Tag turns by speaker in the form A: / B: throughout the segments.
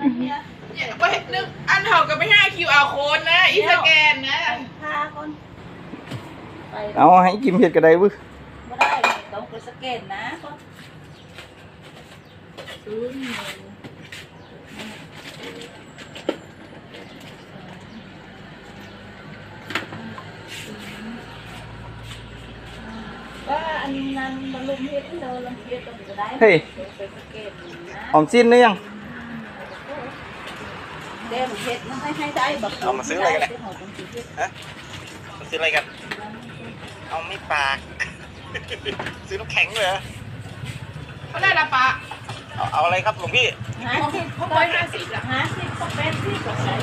A: เนี่ยไปนึกอันเท่ากับไป5 QR code นะอีสแกนนะพาคน
B: เอาให้กิมเห็ดกระไดบึ้
A: ไม่ได้ต้องไปสแกนนะว่าอันนั้นมันลุมเฮ็ดเดินลำเทียตรงนี้ก็ได้
B: เฮ้ยออมสิ้นหรือยัง
A: เดี๋ยวเฮ็ดมันให้ได้แบบ
C: เอามาซื้ออะไรกันฮะมาซื้ออะไรกันเอาไม่ปากซื้อน้ำแข็งเลย
A: เขาได้ละปะ
C: เอาอะไรครับหลวงพี่
A: เขา150ละ50เขาเป็นที่กับใส่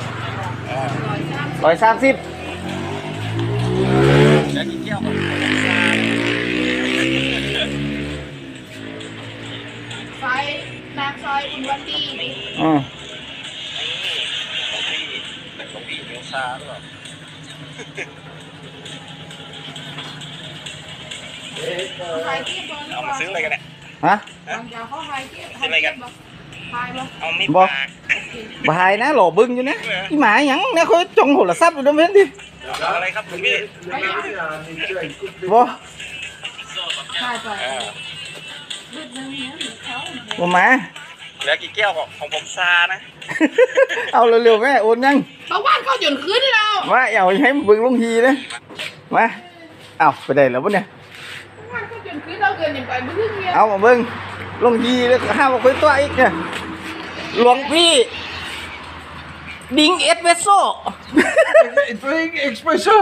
B: 130
C: แล้วกินแก้วของ
A: ไฟนางซอยอุวันดีนี่
C: หลวงพี่เลี้ยวซาหรือเปล่าเอามาซื้ออะไรกันเนี่ย
B: ฮะ
C: ซื้ออะไรกันเอาไม่ปาก
B: บายนะหล่อบึ้งอยู่นะอีหมาหยังเนี่ยเขาจงโหระซับอยู่ตรงนั้นดิ
C: เอาอะไรครับหลวงพี่
B: บ่บ่มา
C: เหลือกี่แก้วของผมซานะ
B: เอาเร็วๆแม่โอนยัง
A: บางวันเขาหยุดขึ้นแล้ว
B: มาเอาให้บึ้งลงทีนะมาเอาไปได้แล้วปะเนี่ยเอามาเบิ้งลงยีแล้วห้ามเอาไปตัวอีกเนี่ยหลวงพี่ดิ้งเอสเปรสโซ่
C: ดิ้งเอสเปรสโซ่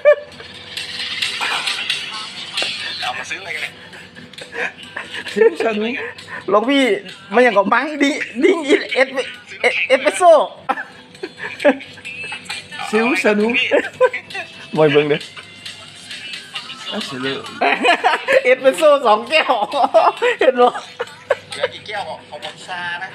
C: เอามาซื้ออะไรกันเนี่ย
B: ซื้อชานุหลวงพี่มันอย่างกับมังดิ้งเอสเปรสโซ่
C: ซื้อชานุ
B: มวยเบิ้งเด้อเอสเปรสโซ่2 แก้วเห็นบ่
C: เหลือกี่แก้วของผมซานะ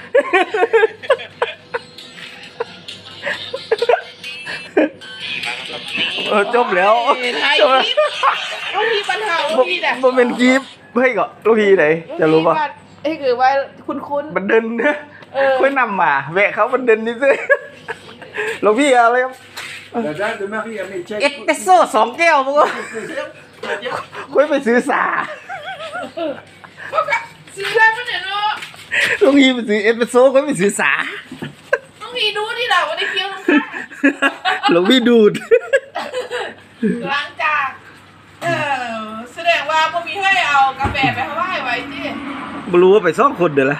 B: จบแล้ว
A: จบแล้วลูกพี่ปัญหาลูกพี่เนี่ย
B: มันเป็นกีบให้ก่อนลูกพี่ไหนจะรู้ป่ะ
A: ไอ้คือว่าคุ้น
B: มันเดินนะค่อยนำมาแวะเขามันเดินนี่ซิลูกพี่อะไรครับเอสเปรสโซ่2 แก้วมั้งค่อยไปซื้อสา
A: ซื้อได้ปะเนี่ยเนาะ
B: ลูกพี่ไปซื้อเอสเปรสโซ่ค่อยไปซื้อสา
A: ลูกพี่ดูดิเราวันนี้เคี้ยว
B: ลูกพี่ดูด
A: ล้างจานแสดงว่าพอมีให้เอากาแฟไปให้ไว้ที่
B: ไม่รู้ว่าไป2 คนเดี๋ยวละ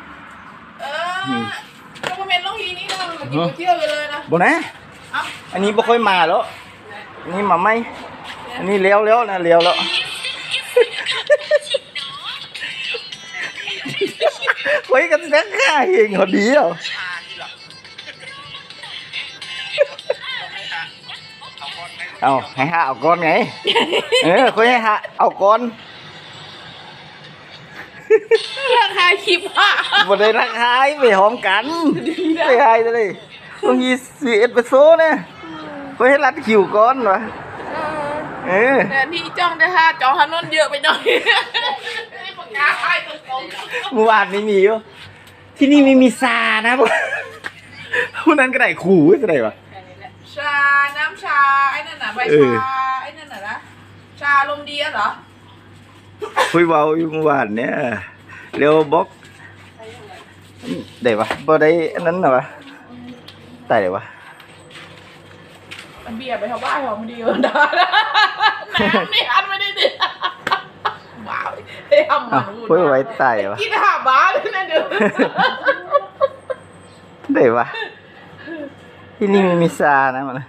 A: ก็มาเป็นลูกพี่นี่เรากินเที่ยวไปเลยนะ
B: บ่นะอันนี้ไม่ค่อยมาแล้วอันนี้มาไม่อันนี้เลี้ยวนะเลี้ยวแล้วไว้กันสักข้าเองเขาดีอ่ะเอาให้หาเอาก้อนไงค่อยให้หาเอาก้อน
A: ราคาคิบอ่ะ
B: บ่ได้ราคาไปหอมกันไปให้เลยต้องยีซื้อเอสเปรสโซ่เนี่ยค่อยให้รัดคิวก้อนวะ
A: แต่ที่จ้องได้ค่ะจองถนนเยอะไปหน่อย
B: เมื่อวานไม่มีอยู่ที่นี่ไม่มีซานะพวกนั้นก็ได้ขู่ก็ได้ปะ
A: ชาน้ำชาไอ้นั่นน่ะใบชาไอ้นั่นน่ะนะชาลมดีเหรอ
B: คุยเบาอยู่เมื่อวานเนี่ยเร็วบล็อกได้ปะบ่ได้อันนั้นหรอปะตายเลยวะ
A: เบียร์ไปทำบ้านของมันดีกว่าน้ำนี่อันไม่ได้ดิว้าวได้ทำมัน
B: คุยไว้ตายวะ
A: กินหาบ้าเลยนะเดี๋ยว
B: ได้ปะที่นี่มีซานะมัน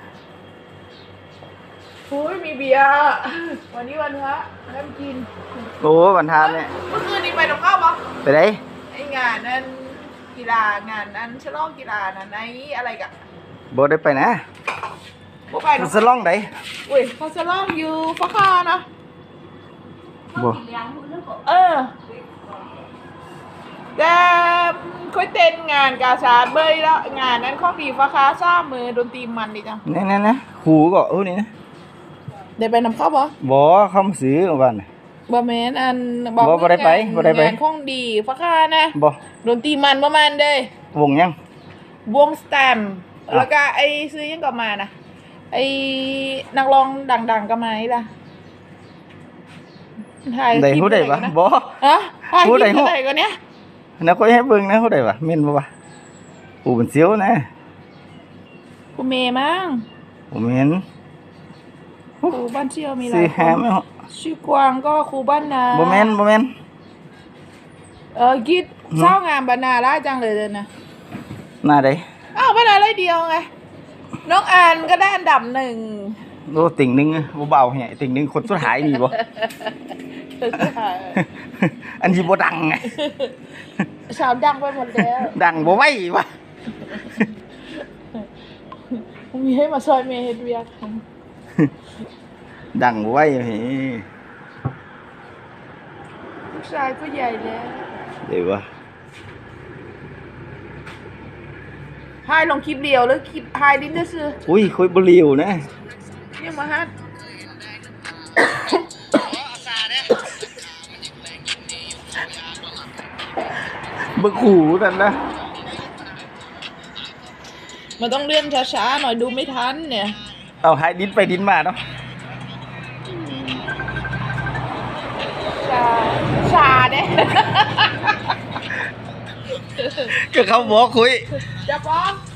A: โอ้ยมีเบียร์วันนี้วันพระได้มากิน
B: โอ้วันทานเนี่ย
A: เมื่อคืนนี้ไปตรงข้าวปะ
B: ไปไหน
A: ไองานนั้นกีฬางานนั้นฉลองกีฬานั้นไออะไรกัน
B: โบได้ไปนะมันสล่องไหน
A: อุ้ยเขาจะล่องอยู่ฟ้าคานะ
B: บ่
A: แต่ค่อยเต้นงานกาชาดเบยแล้วงานนั้นข้อดีฟ้าคาซ่ามือดนตรีมันดีจัง
B: นี่หูก็นี่นะ
A: ได้ไปนำเข้าบ่
B: เข้ามาซื้อวัน
A: บ่แม่นอัน
B: บ่ได้ไป
A: งานข้องดีฟ้าคานะ
B: บ่
A: ดนตรีมันประมาณเด้
B: วงยัง
A: วงสแตมป์แล้วก็ไอ้ซื้อยังก็มานะไอ้นักร้องดังๆก็มาอีล่ะถ่าย
B: ได้
A: คลิป
B: ฮู้ได้
A: อะไร
B: ปะ
A: กันนะ
B: บ่
A: ฮะถ่ายค
B: พู
A: ลิ
B: ด
A: ป
B: ได้ฮู้
A: อะไรกันเนี้ย
B: นะค่อยให้เบิ่งนะฮู้ได้ปะแม่นบ่วะอูเป็นเสียวนะ
A: ครูเมย์มั้ง
B: ผมเห็น
A: ครูบ้านเชี่ยวมีหลา
B: สิ
A: ยค
B: หาน ไม่ฮะ
A: ชื่อกวางก็ครูบ้านนา
B: บ่แม่นบ่แม่น
A: กิดเศร้างามบรรณาละจังเลยนะ
B: หน้าใด
A: อ้าวบรรณาเลยเดียวไงน้องอ่านก็ได้อันดับหนึ่ง
B: โอ้ติ่งหนึงบ่เบาแฮะติ่งหนึงคนสุดท้ายนี่บ่ อันที่บ่ดังไง
A: สาวดังไปหมดแล้ว
B: ดังบ่ไหววะ
A: มีให้มาซอยเมย์เฮ็ดเวียก
B: ดังบ่ไหวเฮ้ย
A: ลูกชายก็ใหญ่แล้ว
B: เดี๋ยววะ
A: ให้ลงคลิปเดียวหรือคลิปให้ดิ้นซื้อ
B: อุ้ยคุยบ่เลียวนะ
A: เนี่ยมาฮัด
B: บ่ขู่นั่นนะ
A: มันต้องเลื่อนช้าๆหน่อยดูไม่ทันเนี่ย
B: เอาหายดินไปดินมาเนาะ
A: ชาเนี่ย
B: ก็เขาบอกคุย
A: จะป้อง